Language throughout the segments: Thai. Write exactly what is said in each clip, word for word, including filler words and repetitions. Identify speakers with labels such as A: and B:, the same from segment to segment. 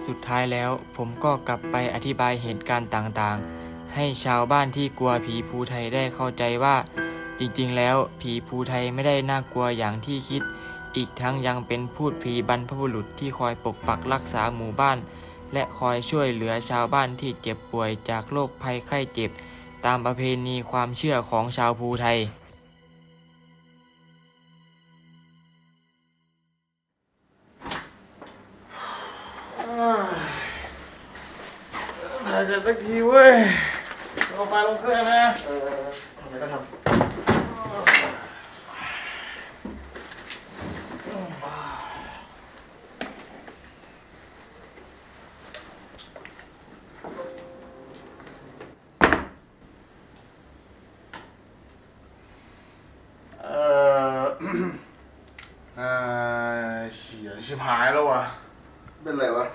A: สุดท้ายแล้วผมก็กลับไปอธิบายเหตุการณ์ต่างๆให้ชาวบ้านที่กลัวผีภูไทยได้เข้าใจว่าจริงๆแล้วผีภูไทยไม่ได้น่ากลัวอย่างที่คิดอีกทั้งยังเป็นพูดผีบรรพบุรุษที่คอยปกปักรักษาหมู่บ้านและคอยช่วยเหลือชาวบ้านที่เจ็บป่วยจากโรคภัยไข้เจ็บตามประเพณีความเชื่อของชาวภูไทย
B: ถ่ายเสร็จสักทีเว้ยเอาไฟลงเครื่องนะเออทำไมก็ทำเออเออเฉียชิบหายแล้ววะเป็นไรวะ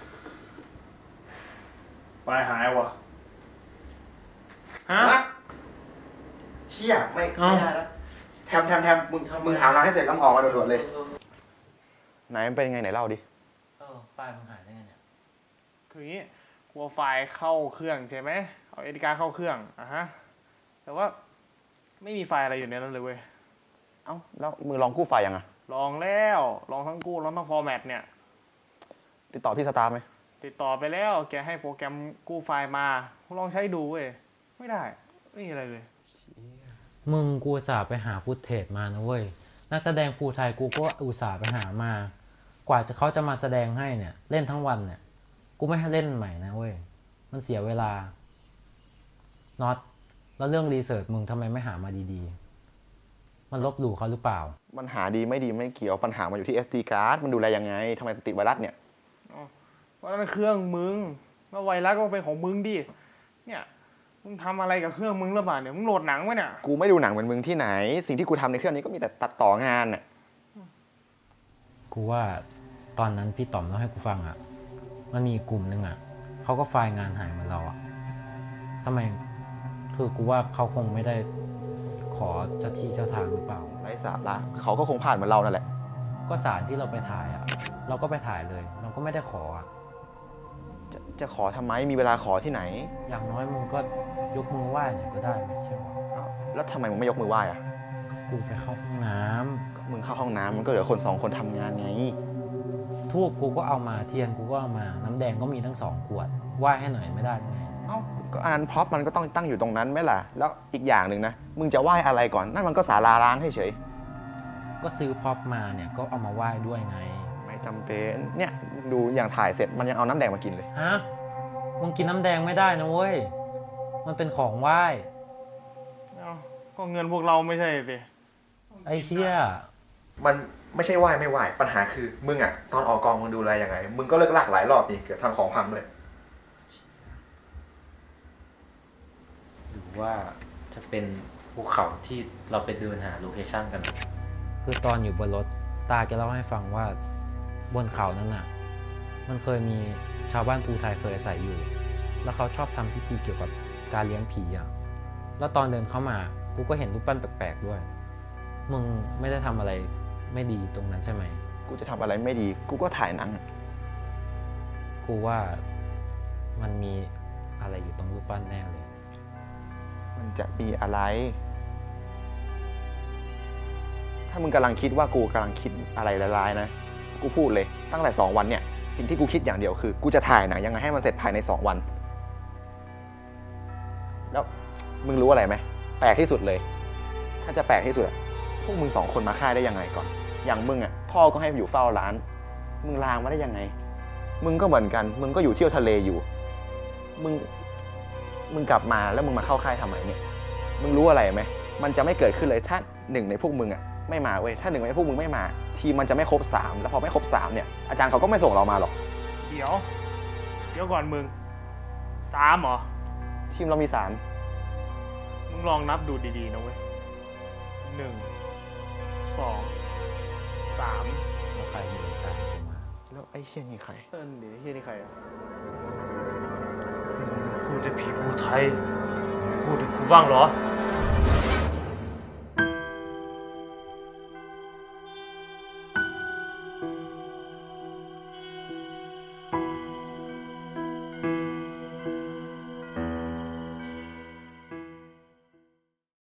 B: ปลายหายวะฮะ
C: เชี่ยไม่ไม่ได้แล้วแทมแทมแทมมึงมึงหาร้านให้เสร็จแล้วออกมาด่วนๆเลยไหนมันเป็นไงไหนเล่าดิ
A: เออไฟล์มันหายได้ไงเนี่ย
B: คืออย่างนี้กลัวไฟล์เข้าเครื่องใช่ไหมเอาเอดีการ์เข้าเครื่องอ่ะฮะแต่ว่าไม่มีไฟล์อะไรอยู่ในนั้นเลยเว้ย
C: เอ้าแล้วมึงลองกู้ไฟล์ยังอ่ะ
B: ลองแล้วลองทั้งกู้ลองทั้งฟอร์แมตเนี่ย
C: ติดต่อพี่สตาร์ไหม
B: ติดต่อไปแล้วแกให้โปรแกรมกู้ไฟล์มาลองใช้ดูเว้ยไม่ได้ไม่มีอะไรเลย
D: มึงกูอุตส่าห์ไปหาฟุตเทจมานะเว้ยนักแสดงภูไทยกูก็อุตส่าห์ไปหามากว่าจะเขาจะมาแสดงให้เนี่ยเล่นทั้งวันเนี่ยกูไม่ให้เล่นใหม่นะเว้ยมันเสียเวลาน็อตแล้วเรื่องรีเสิร์ชมึงทำไมไม่หามาดีๆมันลบหลู่เขาหรือเปล่า
C: มันหาดีไม่ดีไม่เกี่ยวปัญหามันอยู่ที่ เอส ดี card มันดูแลยังไงทำไมติดไวรัสเนี่ย
B: เพราะนั่นเครื่องมึงแล้วไวรัสก็เป็นของมึงดิเนี่ยมึงทำอะไรกับเครื่องมึงหรือเปล่าเนี่ยมึงโหลดหนังไว้เนี่ย
C: กูไม่ดูหนังเหมือนมึงที่ไหนสิ่งที่กูทำในเครื่องนี้ก็มีแต่ตัดต่องานน่ะ
D: กูว่าตอนนั้นพี่ต๋อมเล่าให้กูฟังอ่ะมันมีกลุ่มนึงอ่ะเขาก็ไฟล์งานหายเหมือนเราอ่ะทำไมคือกูว่าเขาคงไม่ได้ขอเจ้าที่เจ้าทางหรือเปล่า
C: ไร้สาระเขาก็คงผ่านเหมือนเรานั่นแหละ
D: ก็สารที่เราไปถ่ายอ่ะเราก็ไปถ่ายเลยเราก็ไม่ได้ขออ่ะ
C: จะจะขอทำไมมีเวลาขอที่ไหน
D: อย่างน้อยมึงก็ยกมือไหว้หน่อยก็ได้ไม่ใช่หรอ
C: แล้วทำไมมึงไม่ยกมือไหว้อ่ะ
D: กูไปเข้าห้องน้
C: ำมึงเข้าห้องน้ำมันก็เหลือคนสองคนทำงานไง
D: ทูบกูก็เอามาเทียนกูก็เอามาน้ำแดงก็มีทั้งสองขวดไหว้ให้หน่อยไม่ได้ไง
C: เอ้าก็อันนั้นพร็อพมันก็ต้องตั้งอยู่ตรงนั้นไหมล่ะแล้วอีกอย่างหนึ่งนะมึงจะไหว้อะไรก่อนนั่นมันก็ศาลาร้างเฉย
D: ก็ซื้อพร็อพมาเนี่ยก็เอามาไหว้ด้วยไง
C: ไม่จำเป็นเนี่ยดูอย่างถ่ายเสร็จมันยังเอาน้ำแดงมากินเลย
D: ฮะมึงกินน้ำแดงไม่ได้นะเว้ยมันเป็นของไหว้
B: เอ้าก็เงินพวกเราไม่ใช่สิ
D: ไอ้เหี้ย
C: มันไม่ใช่ไหว้ไม่ไหว้ปัญหาคือมึงอ่ะตอนออกกองมึงดูแลยังไงมึงก็เลิกลากหลายรอบนี่เกือบทำของพังเลย
E: หรือว่าจะเป็นภูเขาที่เราไปเดินหาโลเคชั่นกัน
D: คือตอนอยู่บนรถตาแกเล่าให้ฟังว่าบนเขานั้นน่ะมันเคยมีชาวบ้านภูไทยเคยอาศัยอยู่แล้วเขาชอบทำพิธีเกี่ยวกับการเลี้ยงผีอ่ะแล้วตอนเดินเข้ามากูก็เห็นรูปปั้นแปลกๆด้วยมึงไม่ได้ทำอะไรไม่ดีตรงนั้นใช่ไหม
C: กูจะทำอะไรไม่ดีกูก็ถ่ายหนัง
D: กูว่ามันมีอะไรอยู่ตรงรูปปั้นแน่เลย
C: มันจะมีอะไรถ้ามึงกำลังคิดว่ากูกำลังคิดอะไรร้ายๆนะกูพูดเลยตั้งแต่สองวันเนี่ยสิ่งที่กูคิดอย่างเดียวคือกูจะถ่ายหนังยังไงให้มันเสร็จภายในสองวันแล้วมึงรู้อะไรไหมแปลกที่สุดเลยถ้าจะแปลกที่สุดพวกมึงสองคนมาค่ายได้ยังไงก่อนอย่างมึงอ่ะพ่อก็ให้อยู่เฝ้าร้านมึงลางมาได้ยังไงมึงก็เหมือนกันมึงก็อยู่เที่ยวทะเลอยู่มึงมึงกลับมาแล้วมึงมาเข้าค่ายทำไมเนี่ยมึงรู้อะไรไหมมันจะไม่เกิดขึ้นเลยถ้าหนึ่งในพวกมึงอ่ะไม่มาเว้ยถ้าหนึ่งในพวกมึงไม่มาทีมันจะไม่ครบสามแล้วพอไม่ครบสามเนี่ยอาจารย์เขาก็ไม่ส่งเรามาหรอก
B: เดี๋ยวเดี๋ยวก่อนมึงสามเหรอ
C: ทีมเรามีสาม
B: มึงลองนับดูดีๆนะเว้ยหนึ่งสองสาม
D: แล้วใครมีตามกูมา
C: แล้วไอ้เชี่ยนี่ใคร
B: เออเดี๋ยวเฮียนี่ใครอ่ะพูดแต่ผีภูไทยพูดถึงกูบ้างเหรอ